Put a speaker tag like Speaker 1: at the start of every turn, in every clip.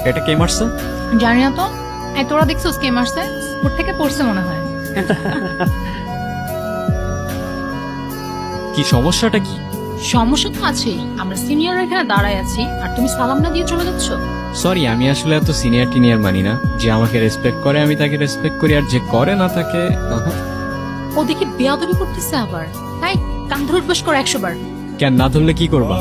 Speaker 1: এটা কে মারছে?
Speaker 2: জানি না তো। এই তোরা দেখছিস কে মারছে? ওর থেকে পড়ছে মনে হয়।
Speaker 1: কি সমস্যাটা কি?
Speaker 2: সমস্যা তো আছেই। আমরা সিনিয়র এখানে দাঁড়ায় আছি আর তুমি সালাম না দিয়ে চলে যাচ্ছ।
Speaker 1: সরি, আমি আসলে এত সিনিয়র টিনিয়র মানি না। যে আমাকে রেসপেক্ট করে আমি তাকে রেসপেক্ট করি, আর যে করে না তাকে
Speaker 2: ও দেখি বেয়াদবি করতেছে আবার। তাই কান ধরে উঠবাস করো 100 বার।
Speaker 1: কেন না ধরলে কি করবা?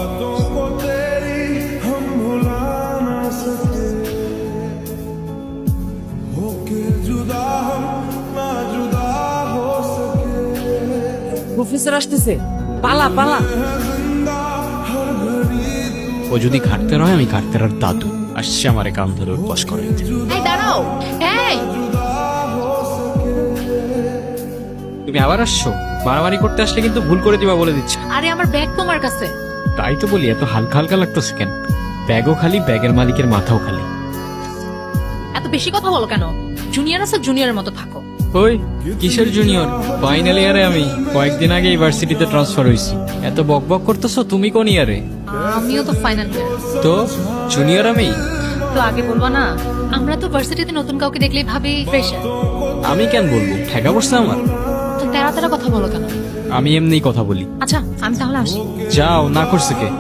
Speaker 3: প্রফেসর আসতেছে, পালা পালা।
Speaker 1: ও যদি খাটতে হয়, আমি খাটতে আর দাদু আসছে আমারে কান ধরে উঠবাস করে।
Speaker 2: এই দাঁড়াও। এই
Speaker 1: তুমি আবার আসছো? মারামারি করতে আসলে কিন্তু ভুল করে দিবা বলে দিচ্ছি।
Speaker 2: আরে আমার ব্যাগ তোমার কাছে।
Speaker 1: তাই তো বলি, এত হালকা হালকা লাগতেছে কেন? ব্যাগও খালি, ব্যাগের মালিকের মাথাও খালি।
Speaker 2: এত বেশি কথা বলো কেন? জুনিয়র আছে, জুনিয়রের মতো থাকো।
Speaker 1: ওই কিসের জুনিয়র? ফাইনাল ইয়ারে আমি কয়েকদিন আগে ইউনিভার্সিটিতে ট্রান্সফার হইছি। এত বক বক করতেছো। তুমি কোন ইয়ারে?
Speaker 2: আমিও তো ফাইনাল ইয়ার।
Speaker 1: তো জুনিয়র আমি?
Speaker 2: তো আগে বলবা না? আমরা তো ভার্সিটিতে নতুন কাউকে দেখলেই ভাবি ফ্রেশার।
Speaker 1: আমি কেন বলবো? ঠেকা পড়ছে আমার।
Speaker 2: তো তেরা তেরা কথা বলো কেন?
Speaker 1: আমি এমনিই কথা বলি।
Speaker 2: আচ্ছা আমি তাহলে আসি।
Speaker 1: যাও, না করছে কে?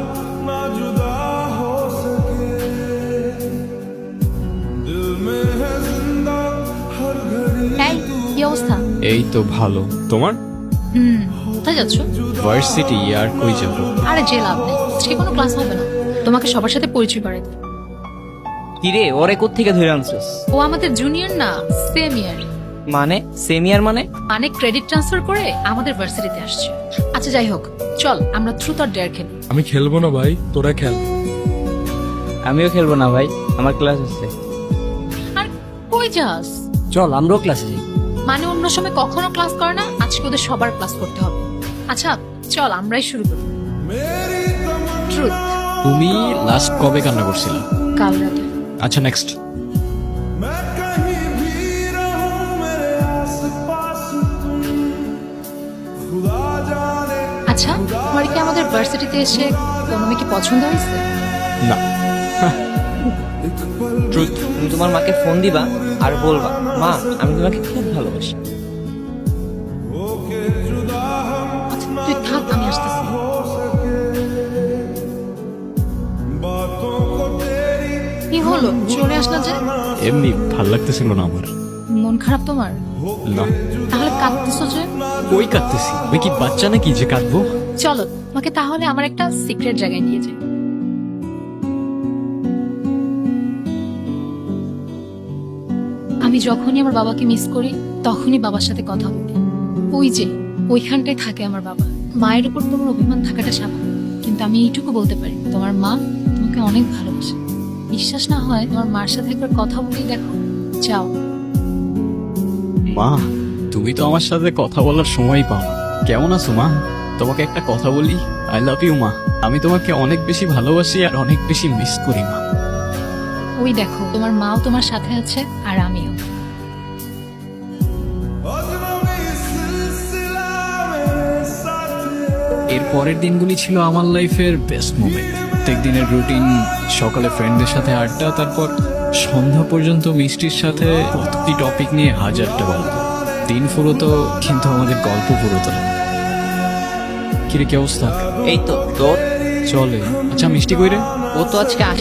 Speaker 2: এই কি অবস্থা?
Speaker 1: এই তো ভালো। তোমার?
Speaker 2: কোথায় যাচ্ছ?
Speaker 1: ভার্সিটি। আর কই যাবো?
Speaker 2: আরে যে লাভ নেই, আজকে কোনো ক্লাস হবে না। তোমাকে সবার সাথে পরিচয় করাই দিই।
Speaker 3: কিরে, ওরে কোত্থেকে ধরে আনছিস?
Speaker 2: ও আমাদের জুনিয়র না, সেম ইয়ার।
Speaker 3: মানে সেমিয়ার মানে?
Speaker 2: মানে ক্রেডিট ট্রান্সফার করে আমাদের ভার্সিটিতে আসছে। আচ্ছা যাই হোক, চল আমরা ট্রুথ অর ডেয়ার খেলি।
Speaker 4: আমি খেলবো না ভাই, তোরা খেল।
Speaker 3: আমিও খেলবো না ভাই, আমার ক্লাস আছে।
Speaker 2: আর কই যাস?
Speaker 3: চল আমরাও ক্লাসে যাই।
Speaker 2: মানে অন্য সময় কখনো ক্লাস করে না, আজকে ওদের সবার ক্লাস করতে হবে। আচ্ছা চল আমরাই শুরু করি। ট্রুথ।
Speaker 1: তুমি লাস্ট কবে কান্না করছিলে?
Speaker 2: কাল রাতে।
Speaker 1: আচ্ছা নেক্সট।
Speaker 2: আচ্ছা তোমার কি আমাদের ভার্সিটিতে এসে কোনো মেয়েকে পছন্দ হয়েছে?
Speaker 1: না। ট্রুথ।
Speaker 3: তুমি তোমার মাকে ফোন দিবা আর বলবা, মা আমি তোমাকে খুব ভালোবাসি।
Speaker 2: আচ্ছা তুই থাক, আমি আসতেছি। কি হলো, চলে আসলা যে?
Speaker 1: এমনি ভাল লাগতেছিল না আমার।
Speaker 2: মন খারাপ তোমার?
Speaker 1: না।
Speaker 2: তাহলে কাঁদতেছো যে?
Speaker 1: কই কাঁদতেছি? আমি কি বাচ্চা নাকি যে কাঁদবো?
Speaker 2: চলো তোমাকে তাহলে আমার একটা সিক্রেট জায়গায় নিয়ে যাই। আমি যখনই আমার বাবাকে মিস করি তখনই বাবার সাথে কথা বলি। ওই যে ওইখানটায় থাকে আমার বাবা। মায়ের উপর তোমার অভিমান থাকাটা স্বাভাবিক, কিন্তু আমি এইটুকু বলতে পারি তোমার মা তোমাকে অনেক ভালোবাসে। বিশ্বাস না হয় তোমার মার সাথে একবার কথা বলেই দেখো। যাও।
Speaker 1: মা, তুমি তো আমার সাথে কথা বলার সময় পাও না। কেমন আছো মা? তোমাকে একটা কথা বলি, আই লাভ ইউ মা। আমি তোমাকে অনেক বেশি ভালোবাসি আর অনেক বেশি মিস করি মা।
Speaker 2: ওই দেখো তোমার মাও তোমার সাথে আছে আর আমিও।
Speaker 1: এর পরের দিনগুলি ছিল আমার লাইফের বেস্ট মোমেন্ট। প্রত্যেক দিনের রুটিন, সকালে ফ্রেন্ডদের সাথে আড্ডা, তারপর সন্ধ্যা পর্যন্ত মিষ্টির সাথে প্রতিটি টপিক নিয়ে হাজারটা গল্প। দিন ফুরোতো কিন্তু আমাদের গল্প ফুরোতো না। কিরে কি অবস্থা?
Speaker 3: এই তো তোর।
Speaker 1: চলে। আচ্ছা মিষ্টি কইরে?
Speaker 3: ও তো আজকে